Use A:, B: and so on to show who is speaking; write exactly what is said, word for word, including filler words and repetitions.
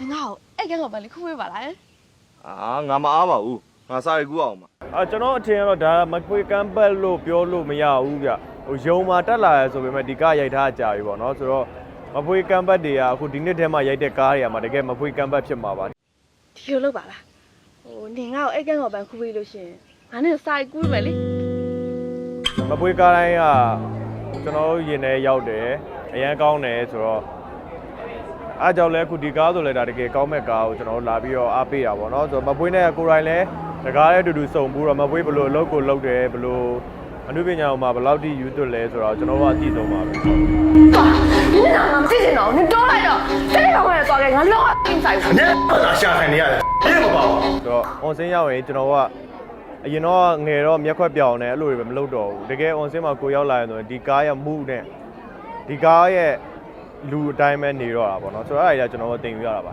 A: 你好，哎，跟我把你哭回吧来。
B: 啊，ငါမအားပါဘူးငါစာရီကူအောင်ပါ
C: အာကျွန်တော်အထင်ကတော့ဒါမကွေကမ်းပတ်လို့ပြောလို့မရဘူးဗျဟိုယုံမှာတက်လာရဆိုပေမဲ့ဒီကားရိုက်ထားကြပြီပေါ့နော်ဆိုတော့မဖွေးကမ်းပတ်တွေကအခုဒီနှစ်ထဲမှာရိုက်တဲ့ကားတွေကမှတကယ်မဖွေးကမ်းပတ်ဖြစ်မှာပါ
A: ဒီလိုလုပ်ပါလားဟိုနင်ငါ့ကိုအဲ့ကန်းတော်ပန်ခုပေးလို့ရှင်ငါနဲ့စာရီကူးမယ်လေ
C: မဖွေးကားတိုင်းကကျွန်တော်ရင်ထဲရောက်တယ်အရန်ကောင်းတယ်ဆိုတော့အားကြောင့်လဲအခုဒီကားဆိုလဲဒါတကယ်ကောင်းမဲ့ကားကိုကျွန်တော်လာပြီးတော့အားပေးတာပေါ့နော်ဆိုတော့မဖွေးနဲ့ကိုယ်တိုင်လဲတကားနဲ့အတူတူစုံပြီးတော့မဖွေးဘလို့အလုပ်ကိုလုပ်တယ်ဘလို့အနုပညာမှာဘယ်လောက်ထိယူသွတ်လဲဆိုတော့ကျွန်တော်ကအသိဆုံးပါပဲ
A: 哇你哪能记性哦你多来的这个我也抓给我老精彩
D: 你不能下海你呀别不包
C: ဆိုတော့ on စင်းရောက်ရင်ကျွန်တော်ကအရင်တော့ငယ်တော့မျက်ခွက်ပြောင်တယ်အဲ့လိုတွေပဲမလုပ်တော့ဘူးတကယ် on စင်းမှာကိုရောက်လာရင်ဆိုရင်ဒီကားရဲ့မှုနဲ့ဒီကားရဲ့လူအတိုင်းပဲနေတော့တာပေါ့နော်ဆိုတော့အဲ့ဒါကြီးကျွန်တော်တင်ယူရတာပါ